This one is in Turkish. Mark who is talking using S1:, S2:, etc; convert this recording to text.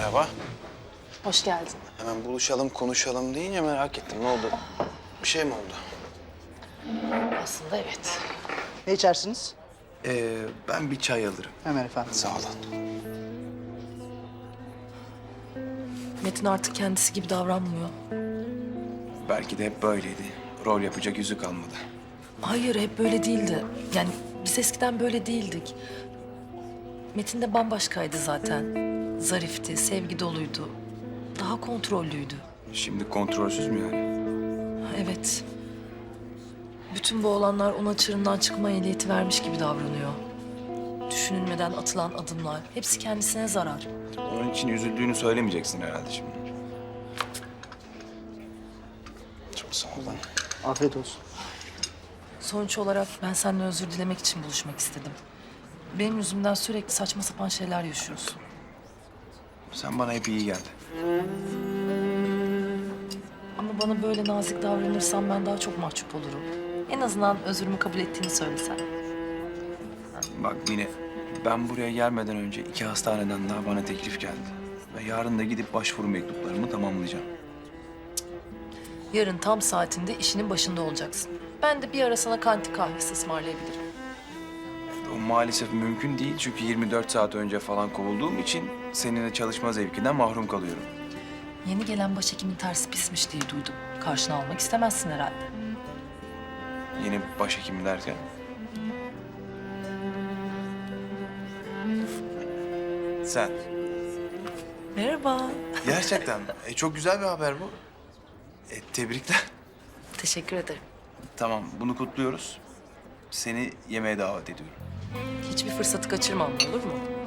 S1: Merhaba.
S2: Hoş geldin.
S1: Hemen buluşalım, konuşalım deyince merak ettim. Ne oldu? Bir şey mi oldu?
S2: Aslında evet.
S3: Ne içersiniz?
S1: Ben bir çay alırım.
S3: Hemen efendim.
S1: Sağ olun.
S4: Metin artık kendisi gibi davranmıyor.
S1: Belki de hep böyleydi. Rol yapacak yüzü kalmadı.
S4: Hayır, hep böyle değildi. Yani biz eskiden böyle değildik. Metin de bambaşkaydı zaten. Zarifti, sevgi doluydu. Daha kontrollüydü.
S1: Şimdi kontrolsüz mü yani?
S4: Evet. Bütün bu olanlar ona çığırından çıkma ehliyeti vermiş gibi davranıyor. Düşünülmeden atılan adımlar, hepsi kendisine zarar.
S1: Onun için üzüldüğünü söylemeyeceksin herhalde şimdi. Çok sağ olun.
S3: Afiyet olsun.
S4: Sonuç olarak ben seninle özür dilemek için buluşmak istedim. Benim yüzümden sürekli saçma sapan şeyler yaşıyorsun.
S1: Sen bana hep iyi geldin.
S4: Ama bana böyle nazik davranırsan ben daha çok mahcup olurum. En azından özrümü kabul ettiğini söylesen.
S1: Bak Mine, ben buraya gelmeden önce 2 hastaneden daha bana teklif geldi. Ve yarın da gidip başvuru mektuplarımı tamamlayacağım.
S4: Yarın tam saatinde işinin başında olacaksın. Ben de bir ara sana kantin kahvesi ısmarlayabilirim.
S1: O maalesef mümkün değil çünkü 24 saat önce falan kovulduğum için seninle çalışma zevkinden mahrum kalıyorum.
S4: Yeni gelen başhekimin tersi pismiş diye duydum. Karşına almak istemezsin herhalde.
S1: Yeni başhekim derken. Sen.
S4: Merhaba.
S1: Gerçekten mi? Çok güzel bir haber bu. Tebrikler.
S4: Teşekkür ederim.
S1: Tamam, bunu kutluyoruz. Seni yemeğe davet ediyorum.
S4: Hiçbir fırsatı kaçırmam, olur mu?